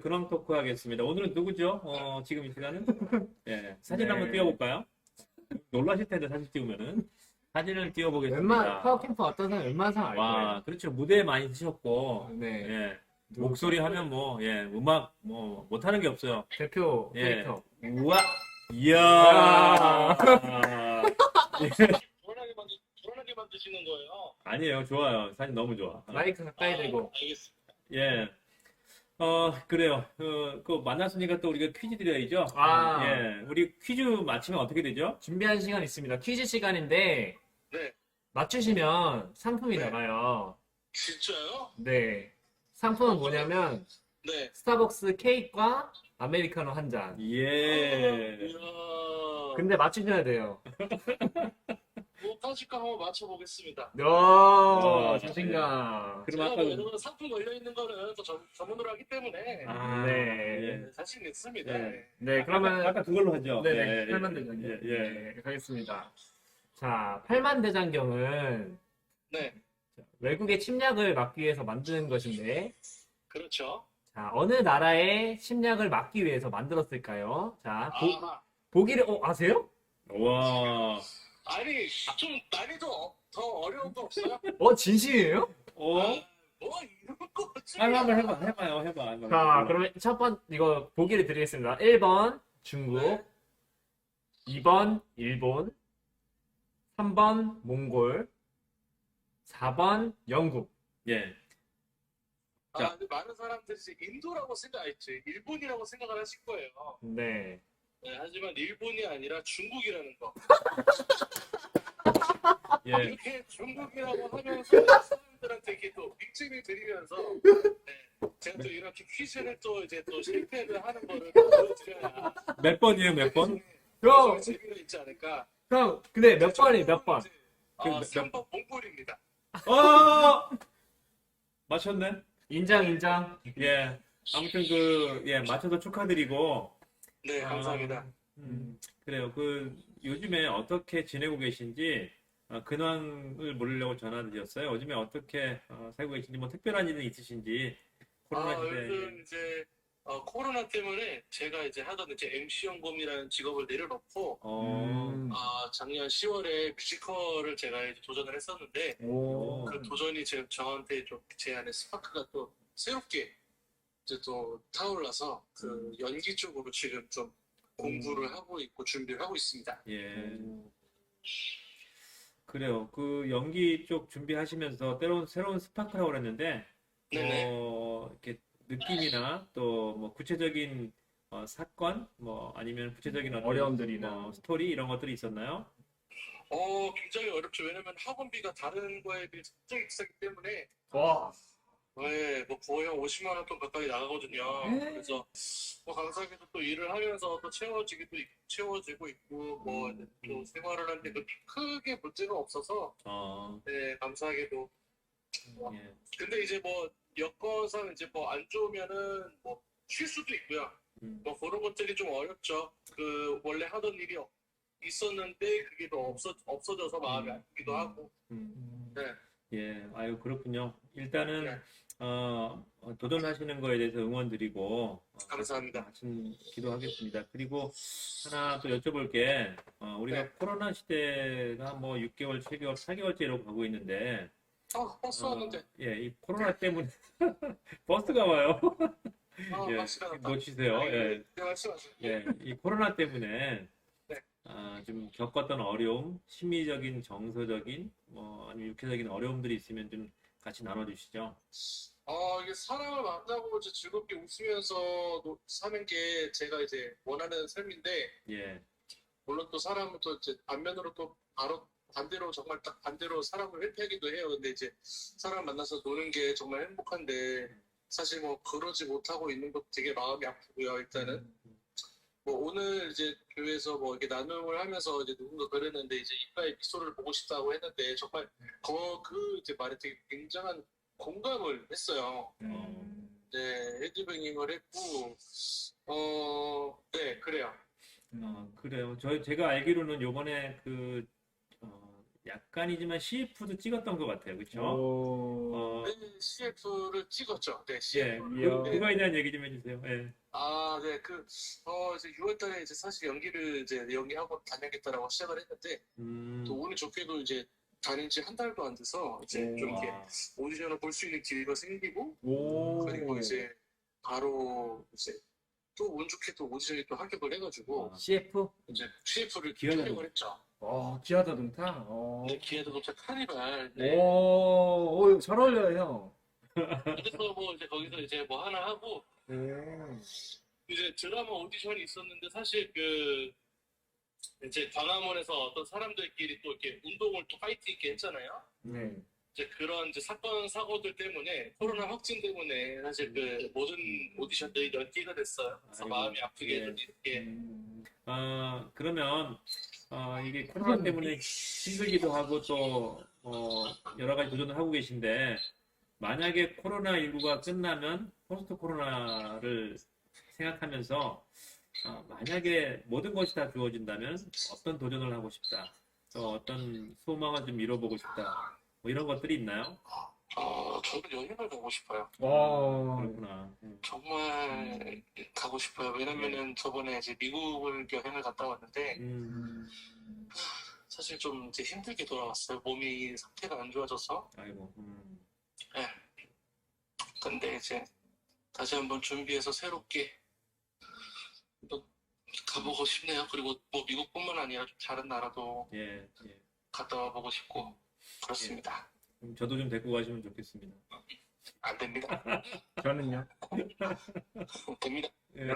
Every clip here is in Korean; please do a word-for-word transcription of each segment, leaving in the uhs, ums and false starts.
근황 토크 하겠습니다. 오늘은 누구죠? 어, 지금 이 시간은? 예, 사진 네. 한번 띄워볼까요? 놀라실 텐데, 사진 띄우면은. 사진을 웬만 띄워보겠습니다. 파워캠프 어떤 사람 웬만한 사람 알 거예요. 와, 그렇죠. 무대에 많이 쓰셨고, 네. 예, 목소리 하면 뭐, 예, 음악, 뭐, 못하는 게 없어요. 대표 예. 캐릭터. 우와! 이야! 불안하게 만드, 불안하게 만드시는 거예요. 아니에요. 좋아요. 사진 너무 좋아. 마이크 가까이 대고. 아, 알겠습니다. 예. 어, 그래요. 어, 그 만났으니까 또 우리가 퀴즈 드려야죠. 아. 예. 우리 퀴즈 맞히면 어떻게 되죠? 준비한 시간 있습니다. 퀴즈 시간인데 네. 맞추시면 상품이 네. 나가요. 진짜요? 네. 상품은 뭐냐면 네. 스타벅스 케이크와 아메리카노 한 잔. 예. 이야. 근데 맞추셔야 돼요. 뭐 까짓거 한번 맞춰보겠습니다. 오, 어, 자신감. 그럼 제가 아까 뭐 그- 이런 상품 걸려있는 거는 또 전, 전문으로 하기 때문에 아, 네. 예. 자신 있습니다. 예. 네, 그러면 아까 그걸로 하죠. 네네, 예, 팔만 예, 대장경. 예, 예. 네, 가겠습니다. 자, 팔만 대장경은 네. 외국의 침략을 막기 위해서 만드는 것인데, 그렇죠. 자, 어느 나라의 침략을 막기 위해서 만들었을까요? 자, 보, 아, 보기를, 어, 아세요? 와. 아니, 좀 난이도 어- 더 어려운 거 없어요? 어, 진심이에요? 어? 아, 뭐 이런 거 지 아, 한번 해봐, 해봐요, 해봐. 한번 자, 해봐. 그러면 첫 번, 이거 보기를 드리겠습니다. 일 번 중국, 네. 이 번 일본, 삼 번 몽골, 사 번 영국. 예. 아, 근데 많은 사람들이 이제 인도라고 생각했지. 일본이라고 생각을 하실 거예요. 네. 네, 하지만 일본이 아니라 중국이라는 거. 예. 이렇게 중국이라고 하면서 사람들한테 이렇게 또 빅집을 드리면서 네, 제가 또 이렇게 퀴즈를 또 이제 또 실패를 하는 거를 또 보여드려야 몇 번이에요, 몇 번? 형, 재미가 있지 않을까. 형, 근데 몇 번이 몇 번? 그 아, 몇- 삼 번 몽골입니다. 어! 맞췄네? 인정, 인정. 예. 아무튼 그, 예, 맞춰서 축하드리고. 네, 감사합니다. 아, 음, 그래요. 그, 요즘에 어떻게 지내고 계신지, 어, 근황을 물으려고 전화드렸어요. 요즘에 어떻게 어, 살고 계신지, 뭐 특별한 일은 있으신지, 코로나 아, 시대에. 요즘 이제 어, 코로나 때문에 제가 이제 하던 이제 엠씨 연금이라는 직업을 내려놓고 어, 음. 아, 작년 시월에 뮤지컬을 제가 이제 도전을 했었는데 오. 그 도전이 제, 저한테 좀 제 안에 스파크가 또 새롭게 이제 또 타올라서 그 연기 쪽으로 지금 좀 공부를 하고 있고 준비를 하고 있습니다. 예. 그래요. 그 연기 쪽 준비하시면서 때로는 새로운 스파크라고 그랬는데, 네네. 어, 이렇게 느낌이나 또 뭐 구체적인 어, 사건, 뭐 아니면 구체적인 어떤 어려움들이나. 뭐 스토리 이런 것들이 있었나요? 어, 굉장히 어렵죠. 왜냐면 학원비가 다른 거에 비해 굉장히 비싸기 때문에 와. 네, 뭐 거의 한 오십만 원 돈 가까이 나가거든요. 그래서 뭐 감사하게도 또 일을 하면서 또 채워지기도 있- 채워지고 있고 뭐 이제 또 생활을 하는데 그 크게 문제가 없어서 어, 네, 감사하게도. 예. 근데 이제 뭐 여건상 이제 뭐 안 좋으면은 뭐 쉴 수도 있고요. 음, 뭐 그런 것들이 좀 어렵죠. 그 원래 하던 일이 없- 있었는데 그게 또 없어 없어져서 마음이 아프기도 하고. 음. 네. 예, 아유, 그렇군요. 일단은, 네. 어, 어, 도전하시는 거에 대해서 응원드리고, 어, 감사합니다. 같이 기도하겠습니다. 그리고 하나 또 여쭤볼 게, 어, 우리가 네. 코로나 시대가 뭐 육 개월, 칠 개월, 팔 개월째로 가고 있는데, 아, 버스 어, 왔는데. 예, 이 코로나 때문에 버스가 와요. 아, 예, 버스가 왔다. 놓치세요. 예, 네, 말씀하세요. 예, 이 코로나 때문에 네. 아, 좀 겪었던 어려움, 심리적인, 정서적인, 뭐 아니면 육체적인 어려움들이 있으면 좀 같이 나눠주시죠. 어, 이게 사람을 만나고 이제 즐겁게 웃으면서 노- 사는 게 제가 이제 원하는 삶인데, 예, 물론 또 사람은 또 이제 반면으로 또 바로 반대로 정말 딱 반대로 사람을 회피하기도 해요. 근데 이제 사람 만나서 노는 게 정말 행복한데, 사실 뭐 그러지 못하고 있는 것도 되게 마음이 아프고요. 일단은. 뭐 오늘 이제 교회에서 뭐 이렇게 나눔을 하면서 이제 누군가 그랬는데 이제 이빠의 미소를 보고 싶다고 했는데 정말 그, 그 이제 말에 되게 굉장한 공감을 했어요. 음. 네, 헤드뱅잉을 했고, 어, 네, 그래요. 어, 그래요. 저 제가 알기로는 요번에 그 어, 약간이지만 씨에프도 찍었던 것 같아요. 그렇죠? 오. 어, 네, 씨에프를 찍었죠. 네, 예, 씨에프. 그, 이야. 그거에 대한 얘기 좀 해주세요. 예. 아, 네, 그, 어, 이제 유월 달에 이제 사실 연기를 이제 연기하고 다녀야겠다라고 시작을 했는데, 음, 또 운이 좋게도 이제 다닌 지 한 달도 안 돼서 이제 오. 좀 이렇게 와, 오디션을 볼 수 있는 기회가 생기고, 오. 그리고 이제 바로 이제 또 운 좋게 또 오디션이 또 합격을 해가지고, 아, 씨에프? 이제 씨에프를 기회가 촬영을 했죠. 어, 기아자동차? 어. 네, 기회도 높자 카니발. 네. 오, 오, 잘 어울려요, 형. 그래서 뭐 이제 거기서 이제 뭐 하나 하고, 오. 이제 드라마 오디션이 있었는데 사실 그 이제 광화문에서 어떤 사람들끼리 또 이렇게 운동을 또 파이트 있게 했잖아요. 네. 이제 그런 이제 사건 사고들 때문에 코로나 확진 때문에 사실 그 모든 오디션들이 연기가 됐어요. 그래서 아이고, 마음이 아프게 예. 좀 이렇게 음. 아, 그러면 아, 이게 코로나 때문에 힘들기도 하고 또 어, 여러 가지 도전을 하고 계신데 만약에 코로나십구가 끝나면 포스트 코로나를 생각하면서 아, 만약에 모든 것이 다 주어진다면 어떤 도전을 하고 싶다. 또 어떤 소망을 좀 이뤄보고 싶다. 뭐 이런 것들이 있나요? 어 저도 여행을 가고 싶어요. 와. 그렇구나. 음. 정말 가고 싶어요. 왜냐면은 저번에 이제 미국을 여행을 갔다 왔는데 음, 사실 좀 이제 힘들게 돌아왔어요. 몸이 상태가 안 좋아져서. 아이고. 음. 예. 근데 이제 다시 한번 준비해서 새롭게 또 가보고 싶네요. 그리고 뭐 미국뿐만 아니라 좀 다른 나라도 예, 예. 갔다 와보고 싶고 그렇습니다. 그럼 저도 좀 데리고 가시면 좋겠습니다. 안 됩니다. 저는요? 됩니다. 예.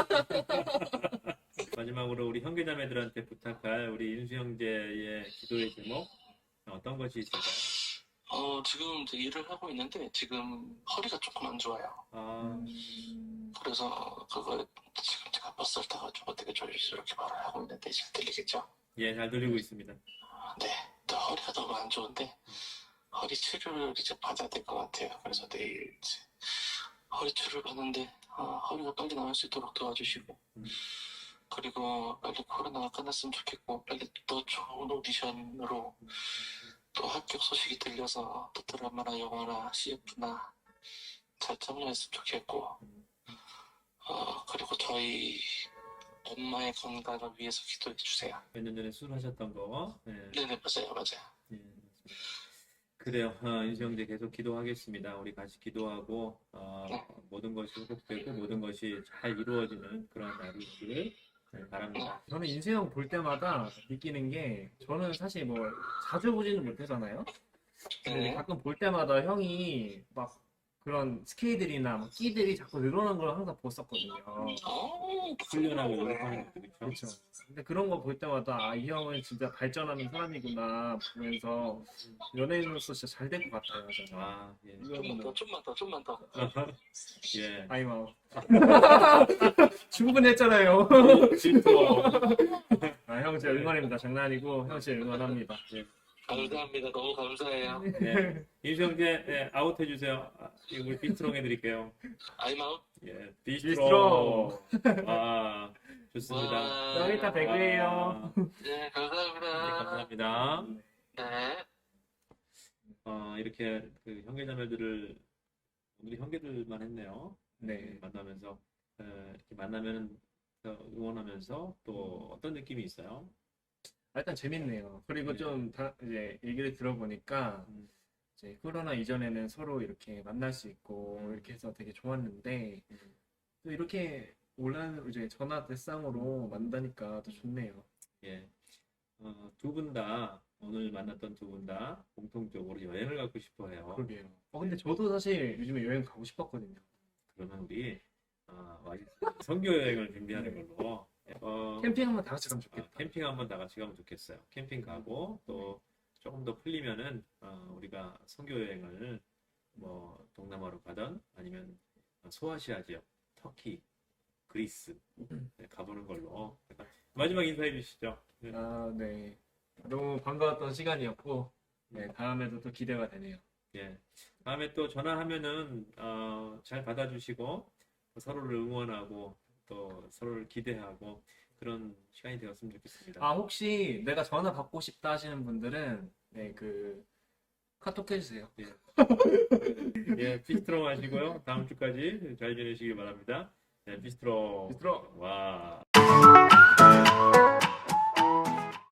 마지막으로 우리 형제자매들한테 부탁할 우리 인수 형제의 기도의 제목 어떤 것이 있을까요? 어, 지금 이제 일을 하고 있는데 지금 허리가 조금 안 좋아요. 아, 그래서 그거 지금 제가 버스를 타가지고 되게 조심스럽게 말을 하고 있는데 잘 들리겠죠? 예, 잘 들리고 있습니다. 네, 또 허리가 너무 안 좋은데 허리 치료를 이제 받아야 될 것 같아요. 그래서 내일 이제 허리 치료를 받는데 어, 허리가 빨리 나을 수 있도록 도와주시고 음. 그리고 빨리 코로나가 끝났으면 좋겠고 빨리 또 좋은 오디션으로 또 합격 소식이 들려서 또 드라마나 영화나 씨에프나 잘 참여했으면 좋겠고 어, 그리고 저희 엄마의 건강을 위해서 기도해 주세요. 몇 년 전에 수술하셨던 거. 예, 네네 맞아요 맞아요. 예, 맞습니다. 그래요. 어, 인수 형제 계속 기도하겠습니다. 우리 같이 기도하고 어, 모든 것이 회복되고 모든 것이 잘 이루어지는 그런 날이 있기를 네, 바랍니다. 저는 인수형 볼 때마다 느끼는 게, 저는 사실 뭐 자주 보지는 못하잖아요? 근데 네. 가끔 볼 때마다 형이 막 그런 스케일들이나 막 끼들이 자꾸 늘어난 걸 항상 봤었거든요. 어, 훈련하고 네. 연습하는 것도 그렇죠. 그렇죠. 근데 그런 거 볼 때마다 아, 이 형은 진짜 발전하는 사람이구나 보면서 연예인으로서 진짜 잘 될 것 같아요. 저는. 아, 예. 좀만 더 좀만 더 좀만 더. 예. 아이마우. 충분했잖아요. 질투. 아, 형 제 응원입니다. 장난 아니고 형 제 응원합니다. 감사합니다. 너무 감사해요. 네. 인수 형제 예, 아웃 해주세요. 아, 이거 우리 비스트롱 해드릴게요. I'm out. 예, 비스트롱. 비스트롱. 아, 좋습니다. 와. 형 이따 뵙게요. 아, 네, 네, 감사합니다. 감사합니다. 네. 어, 이렇게 그 형제자매들을 오늘이 형제들만 했네요. 네. 만나면서 어, 이렇게 만나면 응원하면서 또 어떤 느낌이 있어요? 아, 일단 재밌네요. 그리고 네. 좀 다 이제 얘기를 들어보니까 음, 이제 코로나 이전에는 서로 이렇게 만날 수 있고 음. 이렇게 해서 되게 좋았는데 음. 또 이렇게 온라인 이제 전화 대상으로 만나니까 더 좋네요. 예. 어, 두 분 다 오늘 만났던 두 분 다 공통적으로 여행을 가고 싶어 해요. 그러게요. 어 근데 저도 사실 요즘에 여행 가고 싶었거든요. 그러면 우리 어, 와- 선교 여행을 준비하는 걸로 어, 캠핑 한번 다 같이 가면 아, 좋겠다. 캠핑 한번 다 같이 가면 좋겠어요. 캠핑 가고 또 조금 더 풀리면은 어, 우리가 선교 여행을 뭐 동남아로 가든 아니면 소아시아 지역, 터키, 그리스 네, 가보는 걸로 마지막 인사해 주시죠. 네. 아, 네. 너무 반가웠던 시간이었고 네, 다음에도 또 기대가 되네요. 예. 다음에 또 전화하면은 어, 잘 받아주시고 서로를 응원하고 또 서로를 기대하고 그런 시간이 되었으면 좋겠습니다. 아, 혹시 내가 전화 받고 싶다 하시는 분들은 네, 그 카톡 해주세요. 예, 비스트로 마시고요. 다음 주까지 잘 지내시길 바랍니다. 네, 비스트로. 비스트로. 와.